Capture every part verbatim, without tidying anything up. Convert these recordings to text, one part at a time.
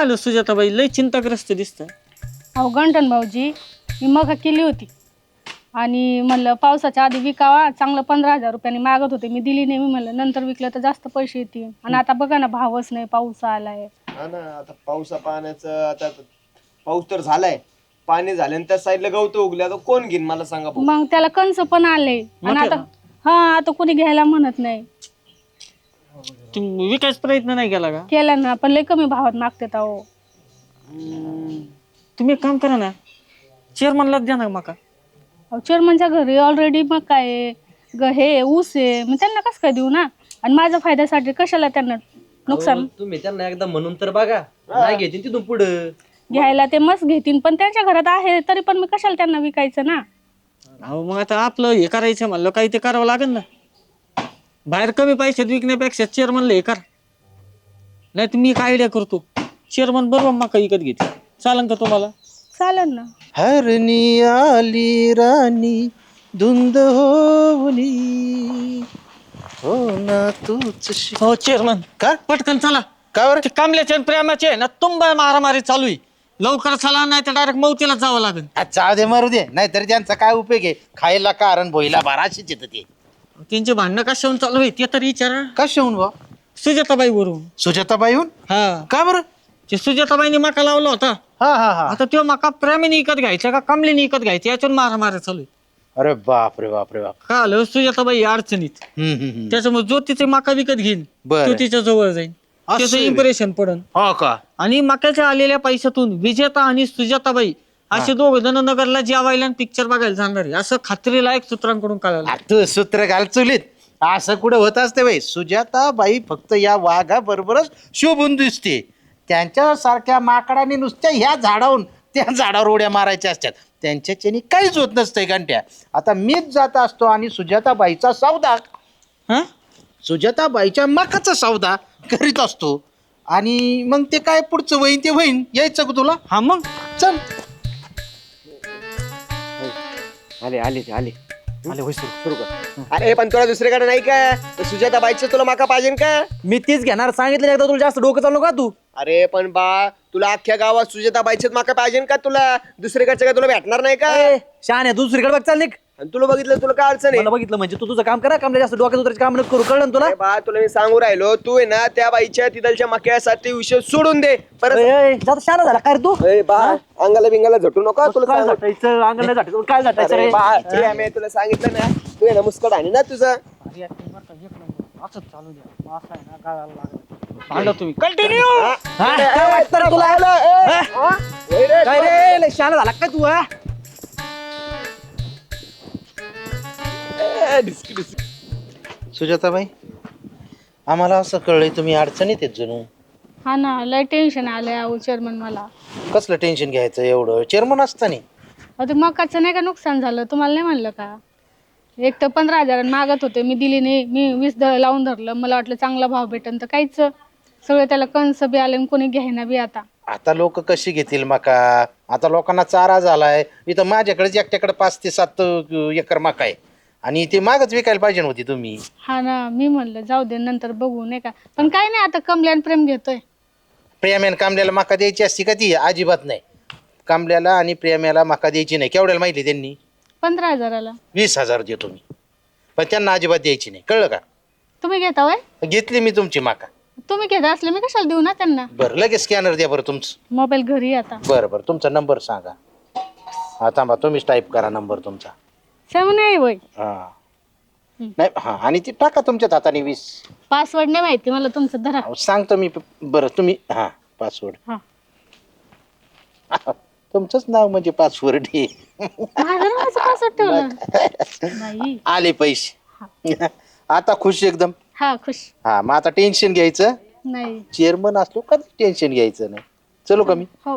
आलं सुजाताबाई, लय चिंताग्रस्त दिसतं. अहो गंठन भाऊजी, मी मका केली होती आणि म्हणलं पावसाच्या आधी विकावा, चांगलं पंधरा हजार रुपयांनी मागत होते, मी दिली नाही. मी म्हणलं नंतर विकलं तर जास्त पैसे येतील. आणि आता बघा ना, भावच नाही, पाऊस आलाय. हा ना, आता पावसा पाण्याचं आता पाऊस तर झालाय, पाणी झाले त्या साईडला गवत उगले, आता कोण घेईन मला सांगा भाऊ. मग त्याला कंस पण आले आणि आता हा आता कोणी घ्यायला म्हणत नाही. तुम्ही विकायचा प्रयत्न नाही केला का? केला ना, पण लय कमी भावात मागतात. अहो तुम्ही एक काम करा ना, चेअरमनलाच द्या ना मका. अहो चेअरमनच्या घरी ऑलरेडी मका आहे, ग हे ऊस आहे, मग त्यांना कसं काय देऊ ना. आणि माझ्या फायद्यासाठी कशाला त्यांना नुकसान. तुम्ही त्यांना एकदा म्हणून तर बघा, नाही घेतील तिथून पुढं. घ्यायला ते मस्त घेतील, पण त्यांच्या घरात आहे तरी पण मी कशाला त्यांना विकायचं ना. अहो मग आता आपलं हे करायचं म्हणलं काही ते करावं लागेल ना. बाहेर कमी पैशात विकण्यापेक्षा चेअरमनला हे कर. नाही तर मी एक आयडिया करतो, चेअरमन बरोबर मका विकत घेते. चालेल का तुम्हाला? चालेल ना. हरणी आली राणी धुंद होली हो ना तूच. हो चेअरमन, का पटकन चला. का बरं? ते कमल्याचे आणि प्रेमाचे आहे ना, तुंबा मारामारी चालू आहे. लवकर चला, नाही तर डायरेक्ट मौतीला जावं लागेल. जाऊ दे, मरू दे, नाहीतरी त्यांचा काय उपयोग आहे. खायला कारण भोईला बाराशीच येतं ते. त्यांचे भांडणं कशाहून चालू आहे ते तरी विचारा. कशाहून बा? सुजाताबाई वरून. सुजाताबाईहून? हा, का बरं? ते सुजाताबाईने मका लावला होता. हा हा हा. आता तो मका प्रेमीने विकत घ्यायचा का कमलीने विकत घ्यायचा, याच्यावर मारामारी चालू आहे. अरे बाप रे बाप रे बाप. का आलं, सुजाताबाई अडचणीत. हम्म, हम्म, हम्म. त्याच्यामुळे जो तिचे मका विकत घेईन बरं. तो तिच्या जवळ जाईल, असं त्याचं आहे. इम्प्रेशन पडन. हो का? आणि मक्याच्या आलेल्या पैशातून विजेता आणि सुजाताबाई असे दोघ जण नगरला जेवायला पिक्चर बघायला जाणार आहे, असं खात्रीलायक सूत्रांकडून कळालं. आ, तू सूत्र घाल चुलीत. असं कुठं होत असते बाई. सुजाताबाई फक्त या वाघा बरोबरच शोभून दिसते. त्यांच्या सारख्या माकडाने नुसत्या ह्या झाडावरून त्या झाडावर उड्या मारायच्या असतात. त्यांच्याच्यानी काहीच होत नसतंय घंट्या. आता मीच जात असतो आणि सुजाताबाईचा सौदा हा, सुजाताबाईच्या मकाचा सौदा करीत असतो. आणि मग ते काय पुढचं वहीन ते वहीन यायचं का तुला? हा मग चल. आले आले ते आले आले होय, सुरू सुरू कर. अरे पण तुला दुसरीकडे नाही का सुजाता बाईचं तुला माका पाहिजे का? मी तीच घेणार सांगितलं एकदा, तुला जास्त डोकं चालू का तू. अरे पण बा, तुला अख्ख्या गावात सुजाता बाईचेच माका पाहिजे का? तुला दुसरीकडचं काय तुला भेटणार नाही का? शान आहे, दुसरीकडे बघ चाल निक. आणि तुला बघितलं तुला काय अडचण आहे? मला बघितलं म्हणजे तू तुझं काम करा, काम जास्त डोक्यात उतरायचं काम नको करू, कळलं ना तुला. अरे बा, तुला मी सांगू राहिलो, तू आहे ना त्या बाईच्या तिथलच्या मक्यासाठी विषय सोडून दे परत. जास्त शान झाला काय रे तू. ए बा, अंगाला बिंगाला झटू नका. तुला काय सांगू- झाटायचं अंगण नाही झाटायचं, काय झाटायचं अरे रे. बा, ठीक आहे, मी तुला सांगितलं ना, तू आहे ना मुस्कट आहे ना तुझं. असंच चालू द्या. असं आहे ना, गाळायला लागलं. भांडा तुम्ही कंटिन्यू. हा, काय वाटतं रे तुला. हा? काय रे लय शान झाला काय तू. हा सुजाताबाई, आम्हाला असं कळलंय तुम्ही अडचणीत आहेत जणू. हा ना, लय टेन्शन आलंय अहो चेअरमन मला. कसलं टेन्शन घ्यायचं एवढं, चेअरमन असताना. अहो ते मकाचं नाही का नुकसान झालं, तुम्हाला नाही म्हणलं का? एक तर पंधरा हजारांनी मागत होते, मी दिली नाही. मी वीस द लावून धरलं, मला वाटलं चांगला भाव भेटन, तर काहीच सगळं त्याला कंस बी आले आणि कोणी घ्यायना बी. आता आता लोक कशी घेतील मका? आता लोकांना चारा झालाय. इथं माझ्याकडेच एकट्याकडे पाच ते सात एकर मका आहे आणि ते मागच विकायला पाहिजे होती तुम्ही. हा ना, मी म्हणलं जाऊ दे नंतर बघू नाही का. पण काय नाही, आता कमल्यान प्रेम घेतोय. प्रेम्यान कांबल्याला मका द्यायची असती का? ती अजिबात नाही. कांबल्याला आणि प्रेम्याला मका द्यायची नाही. केवढ्याला माहिती त्यांनी? पंधरा हजाराला. वीस हजार देतो मी, पण त्यांना अजिबात द्यायची नाही, कळलं का? तुम्ही घेता वय? घेतली मी तुमची मका. तुम्ही घेता असले मी कशाला देऊ ना त्यांना. बरं, लगेच स्कॅनर द्या बरं तुमचं. मोबाईल घरी आहे आता. बरं बरं, तुमचा नंबर सांगा. हा थांबा, तुम्हीच टाईप करा नंबर तुमचा. सेवन आहे वय. हा नाही, हा आणि ती टाका तुमच्यात हाताने वीस. पासवर्ड नाही माहिती मला तुमचं, धरा. अहो, सांगतो मी. बरं तुम्ही हा पासवर्ड. हा. तुमचंच नाव म्हणजे पासवर्ड आहे. माझं नावाचं पासवर्ड ठेवलं नाही. आले पैसे आता खुश एकदम. हा खुश. हा मग आता टेन्शन घ्यायचं नाही. चेअरमन असलो का टेन्शन घ्यायचं नाही. चलो का मी? हो.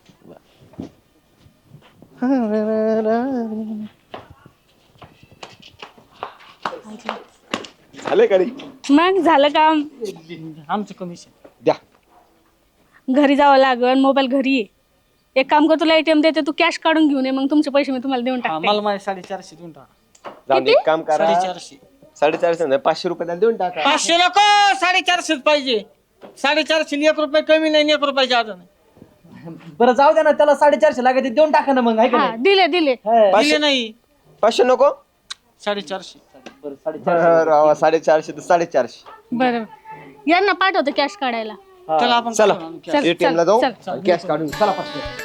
झालं का रे? मग झालं काम. आमचं कमिशन द्या. घरी जावं लागल, मोबाईल घरी आहे. एक काम कर, तुला एटीएम देते, तू कॅश काढून घेऊन ये, मग तुमचे पैसे मी तुम्हाला देऊन टाकते. मला माझे साडेचारशे देऊन टाका. जाऊन दे, एक काम करा. साडेचारशे साडेचारशे नाही, पाचशे रुपये त्याला देऊन टाका. पाचशे नको, साडेचारशेच पाहिजे. साडेचारशे एक रुपये कमी नाही आणि एक रुपये जादा नाही. बरं जाऊ द्या ना, त्याला साडेचारशे लागत देऊन टाका ना मग, आहे का हा नाही? दिले दिले दिले नाही. पाचशे नको साडेचारशे. बरं साडेचारशे. राव, साडेचारशे तर साडेचारशे. बरं यांना पाठवतो कॅश काढायला. चला आपण चला करू ना. चल एटीएम ला चल जाऊ चल कॅश काढून चला पटकन.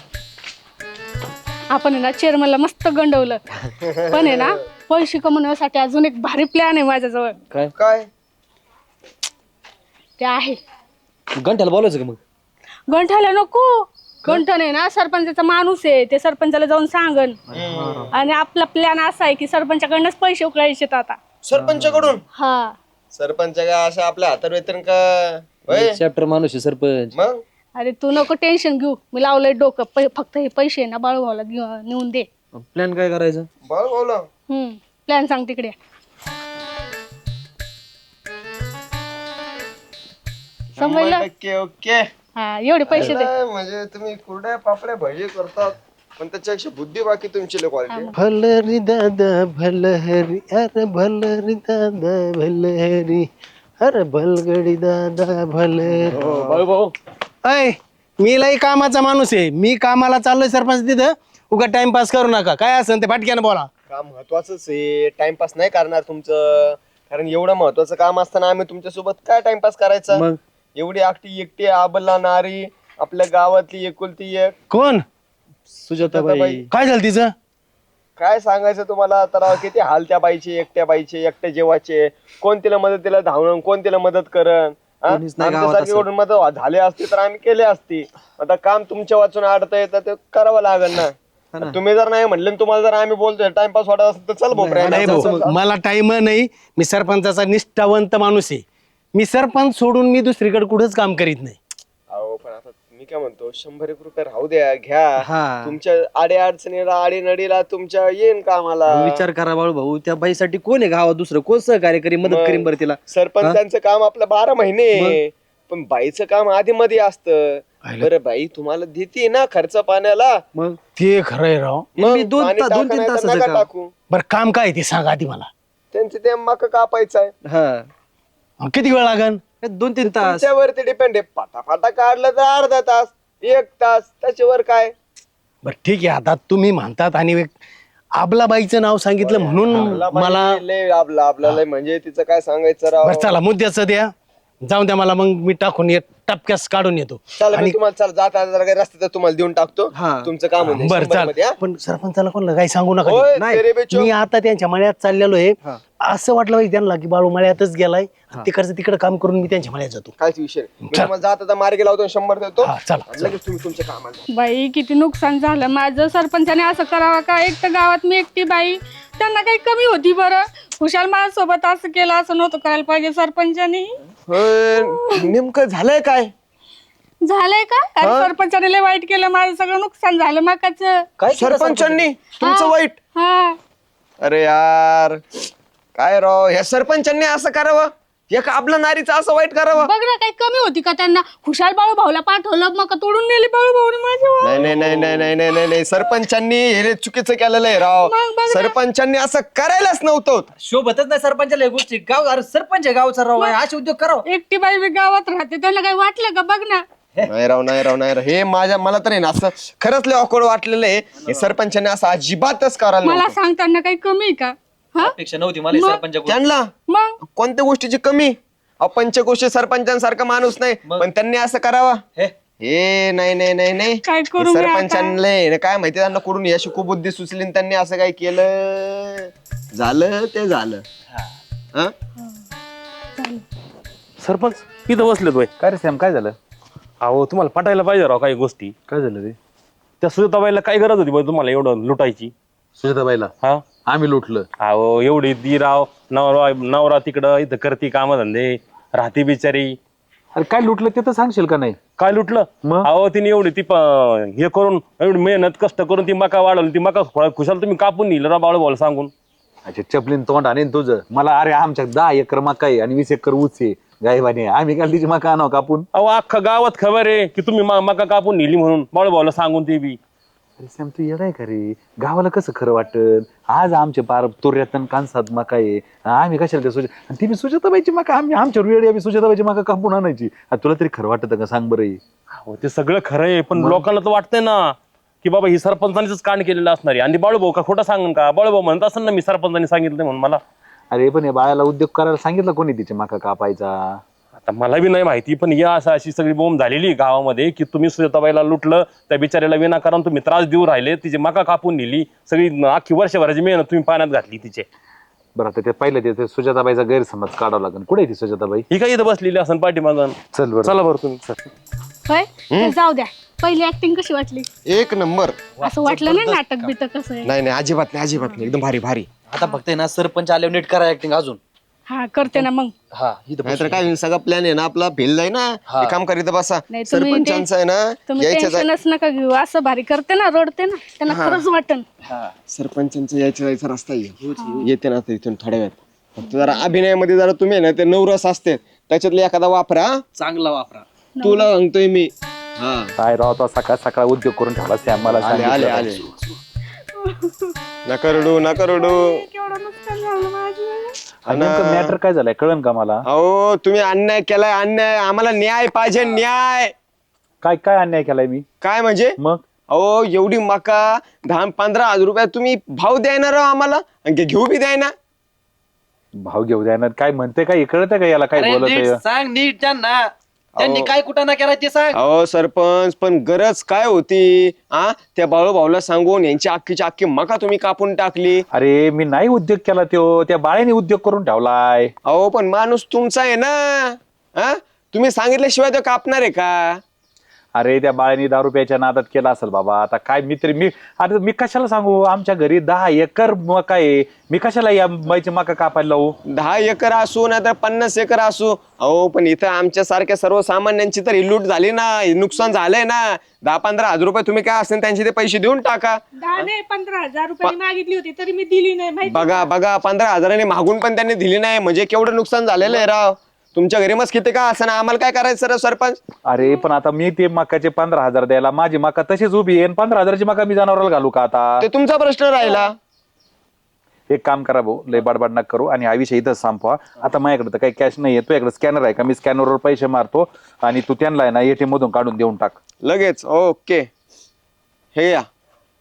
आपण आहे ना चेअरमनला मस्त गंडवलं पण आहे ना पैसे कमवण्यासाठी अजून एक भारी प्लॅन आहे माझ्याजवळ. काय ते आहे घंट्याला बोलायचं का मग? गंठ्याला नको. गंठन आहे ना सरपंचाचा माणूस आहे, ते सरपंचाला जाऊन सांगन. आणि आपला प्लॅन असा आहे की सरपंचाकडनंच पैसे उकळायचे आता. सरपंचाकडून? हा सरपंच का असं आपल्या हातात वेतन का होय? चॅप्टर माणूस आहे सरपंच. मग अरे तू नको टेन्शन घेऊ, मी लावलंय डोकं. पै- फक्त हे पैसे ना बाळूभाऊला घेऊ- नेऊन दे. प्लॅन काय करायचं? बघ बोला हम्म प्लॅन सांग तिकडे. समजलं? Okay okay. हा एवढे पैसे दे. म्हणजे तुम्ही कुरड्या पापड्या भजी करतात पण त्याच्यापेक्षा बुद्धी बाकी तुमची क्वालिटी. भल रे दादा भल हरी, अरे भल रे दादा भल हरी, अरे भलगडी दादा भल. अय मी लई कामाचा माणूस आहे, मी कामाला चाललोय सरपंच तिथं. उगा टाइमपास करू नका, काय असेल ते फाटक्यानं बोला. काम महत्वाचंच आहे, टाइमपास नाही करणार तुमचं, कारण एवढं महत्वाचं काम असताना आम्ही तुमच्या सोबत काय टाइमपास करायचा. मग एवढी एकटी एकटी आबला नारी आपल्या गावातली एकुलती एक. कोण? सुजाताबाई. काय झालं तिचं? काय सांगायचं तुम्हाला तर, किती हाल त्या बाईचे, एकट्या बाईचे, एकट्या जेवाचे. कोण तिला मदतीला धावणं, कोण तिला मदत करण. कोणीच नाही गावात आमच्यासारखी असं. कोण मदत झाली असती तर आम्ही केली असती. आता काम तुमच्या वाचून अडतंय तर ते करावं लागेल ना. तुम्ही जर नाही म्हणले आणि तुम्हाला जर आम्ही बोलतोय टाइमपास वाटत असेल तर चल नाही भाऊ, भोपऱ्या. मला टाइम नाही. मी सरपंचाचा निष्ठावंत माणूस आहे. मी सरपंच सोडून मी दुसरीकडे कुठंच काम करीत नाही. अहो पण आता मी काय म्हणतो, शंभर एक रुपये राहू द्या, घ्या. हा. तुमच्या आडे अडचणीला आडी नडीला तुमच्या येईन कामाला. विचार करा बाळू भाऊ, त्या बाईसाठी कोण आहे गावात दुसरं? कोण सहकार्य करी, मदत मग करीन बरं तिला? सरपंचांचं काम आपलं बारा महिने, पण बाईचं काम आधी मध्ये असतं. बरं बाई तुम्हाला देते ना खर्च पाण्याला, मग ते खरंय राव. मग मी दोन पाणी ता- दोन टाका तीन नाही तर तासाचं नका काम. टाकू. बरं काम काय आहे ते सांगा आधी मला. त्यांचे ते मका कापायचं आहे. हा मग किती वेळ लागन? दोन तीन तास. तुमच्यावरती डिपेंड आहे. फाटा फाटा काढलं तर अर्धा तास, एक तास, त्याच्यावर काय. बरं ठीक आहे, आता तुम्ही म्हणतात आणि एक आबलाबाईचं नाव सांगितलं म्हणून आपला बाई मला. लय आपला आपल्याला म्हणजे तिचं काय सांगायचं राव. बरं चला मुद्द्याचं द्या, जाऊन द्या मला, मग मी टाकून येत टपक्यास काढून येतो. चला मी तुम्हाला चला जाता जरा काही रस्त्यात तुम्हाला देऊन टाकतो. हा. तुमचं काम होतं बरं शंभर चाल. मध्ये, हा? पण सरपंचाला कोणाला काही सांगू नका. होय, नाही, तेरे बेचो. मी आता त्यांच्या मळ्यात चाललेलो आहे. असं वाटलं पाहिजे त्यांना की बाळू मळ्यातच गेलाय, तिकडचं तिकडे काम करून मी त्यांच्या मळ्यात जातो. काहीच विषय नाही. मी तुम्हाला जाता जाता मार्गी लावतो, शंभर देतो. हा, चला, आणि लगेच तुम्ही तुमच्या कामाला. बाई किती नुकसान झालं माझं. सरपंचाने असं करावं का? एक तर गावात मी एकटी बाई, त्यांना काही कमी होती बरं. खुशाल माझ्यासोबत असं केलं, असं नव्हतं करायला पाहिजे सरपंचानी. होय, नेमकं झालंय काय? झालंय का? अरे सरपंचाने लय वाईट केलं, माझं सगळं नुकसान झालं मकाचं. काय केलं सरपंचांनी तुमचं हा. वाईट? हा अरे यार काय राव, ह्या सरपंचांनी असं करावं? एक आपलं नारीचं असं वाईट करावं? बघ ना, काही कमी होती का त्यांना? खुशाल बाळू भाऊला पाठवलं, मग तोडून नेली बाळू भाऊने माझ्या. नाही नाही नाही नाही नाही नाही नाही नाही सरपंचांनी हे चुकीचं केलेलं आहे राव. मग बघ ना. सरपंचांनी असं करायलाच नव्हतं. शोभतच नाही सरपंचाला या गोष्टी. गाव अरे सरपंच आहे गावचा राव, असे उद्योग करावं. एकटी बाई बी गावात राहते, त्यांना काही वाटलं का? बघ ना. नाही राव नाही राव नाही राव, हे माझ्या मला तर आहे ना असं खरंच लय ऑकवर्ड वाटलेलं आहे. हे सरपंचाने असं अजिबातच करायला मला नव्हतं. सांगताना काही कमी आहे का? हा अपेक्षा नव्हती मला मग? सरपंच. त्यांना मग कोणत्या गोष्टीची कमी? अहो, पंचकोशी सरपंचांसारखा माणूस नाही, मग? पण त्यांनी असं करावं? हे हे नाही नाही नाही नाही काय करू मी आता? सरपंचांना काय माहिती, त्यांना कुठून यश कुबुद्धी सुचली आणि त्यांनी असं काय केलं. झालं ते झालं. हा? सरपंच इथं बसले तो. काय रे सॅम, काय झालं? अहो तुम्हाला पटायला पाहिजे राव काही गोष्टी. काय झालं रे? त्या सुजाताबाईला काय गरज होती बरं तुम्हाला एवढं लुटायची? सुजाताबाईला हा आम्ही लुटलं. अहो एवढी दी राव, नवरा नवरा तिकडं इथं करती काम धंदे, राहती बिचारी. अरे काय लुटलं ते तर सांगशील का नाही? काय लुटलं? मग? अहो तिने एवढी ती प- हे करून एवढी मेहनत कष्ट करून ती मका वाढवली, ती मका खुळा- खुशाल तुम्ही कापून नेलं राव बाळू भाऊला सांगून. अच्छा चपलीन तोंड आणि तुझं. मला अरे आमच्या दहा एकर मका आहे आणि वीस एकर ऊस आहे गायबाने, आम्ही काल तिची मका आणावं कापून. अहो अख्खा गावात खबर आहे की तुम्ही मा- मका कापून नेली म्हणून बाळू भाऊला सांगून. ते बी अरे सॅम तू येडाय का रे? गावाला कसं खरं वाटत? आज आमचे पार तोऱ्यातन कांसात मका आहे, आम्ही कशाला त्या सुजा आणि ती बी सुजाताबाईची मका आम्ही आमच्या वेळी आम्ही सुजाताबाईची मका कापून आणायची. आता तुला तरी खरं वाटत का सांग बरं हे? हो ते सगळं खरं आहे, पण लोकांना तर वाटतंय ना की बाबा ही सरपंचानीच कांड केलेलं असणार आहे. आणि बाळूभाऊ का खोटं सांगून का? बाळूभाऊ म्हणत असेल ना मी सरपंचानी सांगितलं म्हणून मला. अरे पण या बाळाला उद्योग करायला सांगितलं कोणी तिचे मका कापायचा? आता मला बी नाही माहिती, पण या असं अशी सगळी बोंब झालेली आहे गावामध्ये की तुम्ही सुजाताबाईला लुटलं, त्या बिचाऱ्याला विनाकारण तुम्ही त्रास देऊ राहिले, तिची मका कापून नेली, सगळी अख्खी वर्षभराची मेहनत तुम्ही पाण्यात घातली तिचे. बरं आता ते पहिलं ते- ते सुजाताबाईचा गैरसमज काढावा लागेल. कुठे आहे ती सुजाताबाई? ही काय इथं बसलेली असं पाठीमागं. चल बरं. चला बरं तुम्ही. होय तर जाऊ द्या. पहिली ऍक्टिंग कशी वाटली? एक नंबर. असं वाटलं नाही नाटक बिटक कसं आहे? नाही नाही अजिबात नाही अजिबात नाही एकदम भारी भारी. आता फक्त आहे ना सरपंच आल्यावर नीट करा ऍक्टिंग अजून. हा करते ना मग. हा इथं नाहीतर काय सगळा प्लॅन आहे ना आपला फेल जाई ना. हे काम करीत बसा. नाही, तुम्ही सरपंचांचं आहे ना तुम्ही यायचं जाय- टेन्शनच नका घेऊ. असं भारी करते ना, रडते ना, त्यांना खरंच वाटन. सरपंचांचं यायचं जायचा रस्ता आहे. येते ना आता इथून थोड्या वेळात. फक्त जरा अभिनयामध्ये जरा तुम्ही ना ते नवरस असते त्याच्यातले एखादा वापरा. चांगला वापरा. तुला सांगतोय मी. हा काय राव तो सकाळ सकाळ उद्योग करून ठेवला सॅम मला आले आले सांगितलं. आले. नका रडू नका रडू. केवढं नुकसान झालं माझं. आणि नेमकं मॅटर काय झालंय कळन का मला? अहो तुम्ही अन्याय केलाय अन्याय. आम्हाला न्याय पाहिजे न्याय. काय काय अन्याय केलाय मी? काय म्हणजे? मग अहो एवढी मका दहा पंधरा हजार रुपयात तुम्ही भाव द्यायना राव आम्हाला आणि घेऊ बी द्यायना. भाव घेऊ द्या ना. काय म्हणते काय कळत का याला काय अरे बोलत नीट आहे? सांग नीट त्यांना त्यांनी काय कुठं ना केला ते सांग. अहो सरपंच पण गरज काय होती? आ त्या बाळू भाऊला सांगून यांची अख्खीची अख्खी मका तुम्ही कापून टाकली. अरे मी नाही उद्योग केला त्यो, त्या बाळेने उद्योग करून ठेवलाय. अहो पण माणूस तुमचा आहे ना. हा तुम्ही सांगितल्याशिवाय तो कापणार आहे का? अरे त्या बाळेने दारू प्यायच्या नादात केला असेल बाबा. आता काय मी तरी मी आता मी कशाला सांगू? आमच्या घरी दहा एकर मका आहे, मी कशाला या बाईची मका कापायला लावू? दहा एकर असू नाही तर पन्नास एकर असू. अहो पण इथं आमच्या सारख्या सर्वसामान्यांची तर ही लूट झाली ना, हे नुकसान झालंय ना. दहा पंधरा हजार रुपये तुम्ही काय असेल त्यांचे ते पैसे देऊन टाका. दहा नाही पंधरा हजार रुपये मागितली होती तरी मी दिली नाही माहिती. बघा बघा पंधरा हजारांनी मागून पण त्यांनी दिली नाही म्हणजे केवढं नुकसान झालेलं आहे राव. तुमच्या घरी मस्त किती का असं ना आम्हाला काय करायचं सर सरपंच? अरे पण आता मी ते मकाचे पंधरा हजार द्यायला माझी मका तशीच उभी आहे. पंधरा हजाराची मका मी जनावराला घालू का आता? ते तुमचा प्रश्न राहिला. एक काम करा भाऊ, लय बाडबाड नका करू आणि हा विषय इथंच संपवा. आता माझ्याकडे तर काही कॅश नाही, तुझ्याकडे स्कॅनर आहे का? मी स्कॅनरवर पैसे मारतो आणि तू त्यांना आहे ना एटीएम मधून काढून देऊन टाक लगेच. ओके हे या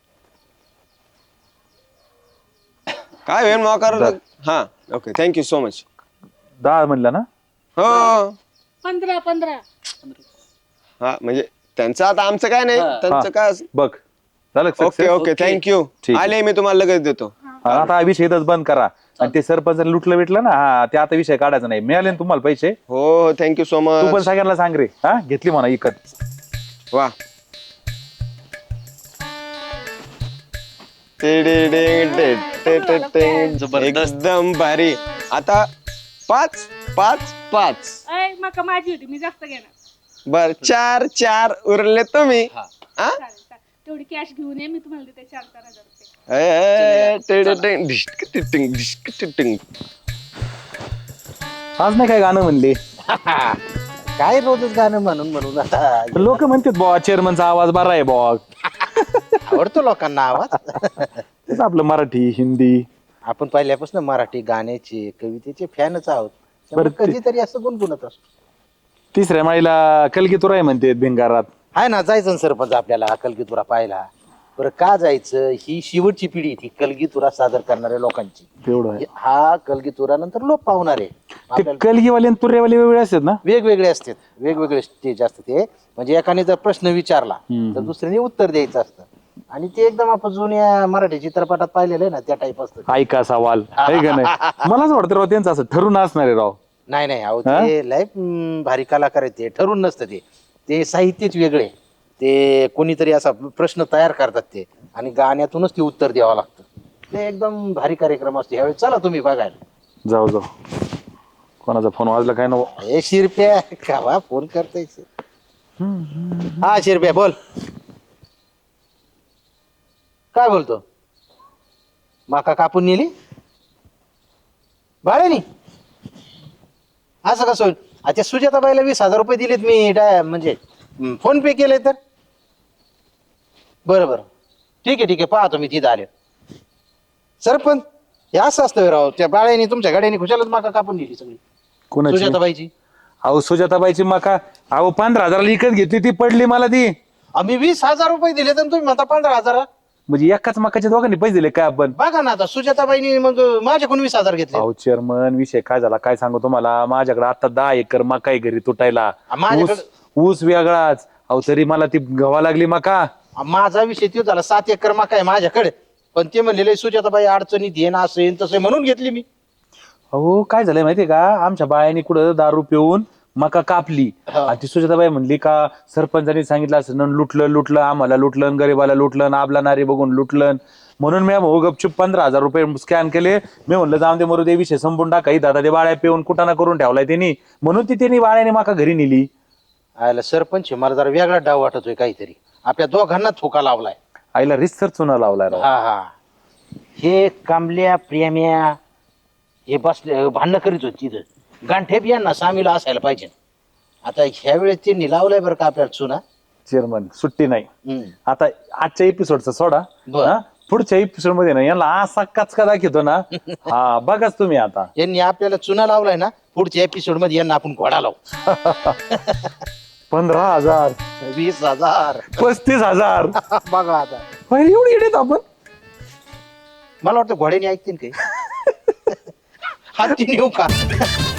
काय होईल मग कर. हा ओके थँक्यू सो मच. दहा म्हणलं ना? हो पंधरा पंधरा. हा म्हणजे त्यांचं आता आमचं काय नाही त्यांचं काय असं- बघ झालं ओके success? Okay thank you. ठीक आहे. आले मी तुम्हाला लगेच देतो. हा, आता हा विषय इथंच बंद करा. आणि ते सरपंच लुटलं बिटलं ना, हा ते आता विषय काढायचा नाही. मिळाले ना तुम्हाला पैसे? हो हो थँक्यू सो तू पण मच. सगळ्यांना सांग रे. हा घेतली म्हणा इकत. वा एकदम भारी. आता पाच पाच पाच अय मका माझी होती, मी जास्त घेणार. बर चार चार उरले तुम्ही. हा? चालेल, चालेल. तेवढी कॅश घेऊन ये, मी तुम्हाला देते चार चार हजार रुपये. ए, ए, टिड, टिंग, ढिश्क, टिटिंग, ढिश्क, टिटिंग. आज नाही काय गाणं म्हणले? काय रोजच गाणं म्हणून म्हणून आता लोक म्हणतात बॉ चेअरमनचा आवाज बरा आहे बॉ. आवडतो लोकांना आवाज. तेच आपलं मराठी हिंदी. आपण पहिल्यापासून मराठी गाण्याचे कवितेचे फॅनच आहोत. त्यामुळे बरं ते- कधीतरी असं गुणगुणत असतो. तिसऱ्या माळीला कलगीतुरा आहे म्हणते भिंगारात. आहे ना जायचं ना सरपंच आपल्याला कलगीतुरा पाहायला. बरं का जायचं? ही शेवटची पिढी ती कलगीतुरा सादर करणाऱ्या लोकांची. तेवढं आहे. हा कलगीतुरा नंतर लोप पावणार आहे. ते आपल्याला कलगीवाले आणि तुर्यावाले वेगळे असतात ना? वेगवेगळे असतात, वेगवेगळे स्टेज असतात ते. म्हणजे एकाने जर प्रश्न विचारला तर दुसऱ्याने उत्तर द्यायचं असतं. आणि ते एकदम आपण जुन्या मराठी चित्रपटात पाहिलेलं आहे ना त्या टाईप असतं. ऐका सवाल आहे का नाही? मलाच वाटतं राव त्यांचं असं ठरून असणार आहे राव. नाही नाही अहो ते लय हम्म, भारी कलाकार आहेत ते. ठरून नसतं ते. ते साहित्यच वेगळे. ते कोणीतरी असा प्रश्न तयार करतात ते आणि गाण्यातूनच ते उत्तर द्यावं लागतं. ते एकदम भारी कार्यक्रम असतो. यावेळी चला तुम्ही बघायला. जाऊ जाऊ. कोणाचा फोन वाजला काय ना? हे शिरप्या कावा फोन करताय. हा शिरप्या बोल. काय बोलतो? माका कापून नेली भाड्यानी? असं कसं होईल? अच्छा सुजाताबाईला वीस हजार रुपये दिलेत मी. डाय म्हणजे फोन पे केले तर बरं बरं ठीक आहे ठीक आहे पाहतो मी तिथं आले सरपंच हे असं असतं राव त्या बाळ्याने तुमच्या गाड्याने खुशालच माका कापून दिली सगळी कोणाची सुजाताबाईची अहो सुजाताबाईची मका अहो पंधरा हजाराला विकत घेतली ती पडली मला ती आम्ही वीस हजार रुपये दिले तर तुम्ही म्हणता पंधरा हजार म्हणजे एकाच मकाच्या दोघांनी पैसे दिले काय आपण बघा ना आता सुजाताबाईनी मग माझ्याकडून वीस हजार घेतले अहो चेअरमन विषय काय झाला काय सांगू तुम्हाला माझ्याकडे आता दहा एकर मका आहे घरी तुटायला माझ्याकडे- ऊस ऊस वेगळाच अहो तरी मला ती गव्हा लागली मका माझा विषय तो झाला सात एकर मका आहे माझ्याकडे पण ते म्हणलेले सुजाताबाई अडचणीत येईन असं येईन तसं म्हणून घेतली मी अहो काय झालंय माहितीये का आमच्या बायाने कुठं दारू पिऊन मका कापली आणि ती सुजाताबाई म्हणली का सरपंचांनी सांगितलं असं न लुटलं लुटलं आम्हाला लुटलं गरीबाला लुटलं आबला नारी बघून लुटलं म्हणून मी भाऊ गपचूप पंधरा हजार रुपये स्कॅन केले मी म्हणलं जाऊन दे मरू दे विषय संपून टाका दादा ते बाळ्या पिऊन कुटाणा करून ठेवलाय त्यांनी म्हणून ती त्यांनी बाळ्याने मका घरी नेली आयला सरपंच मला जरा वेगळा डाव वाटतोय काहीतरी आपल्या दोघांना थोका लावलाय आईला रिसर चुना लावलाय राव. हा हा हे कांबल्या प्रेम्या हे बसले भांडणं करीत होती तिथं गांठे बी यांना सामील असायला पाहिजे आता ह्या वेळेस त्यांनी लावलाय बरं का आपल्याला चुना चेअरमन सुट्टी नाही हम्म. आता आजच्या एपिसोडचा सोडा बरं. हा? पुढच्या एपिसोड मध्ये ना यांना असा कचका दाखवतो ना हा बघाच तुम्ही आता यांनी आपल्याला चुना लावलाय ना पुढच्या एपिसोड मध्ये यांना आपण घोडा लावू पंधरा हजार वीस हजार पस्तीस हजार बघा आता पहिले एवढी येडेत आपण मला वाटतं घोड्याने ऐकतील काही हाती नेऊ का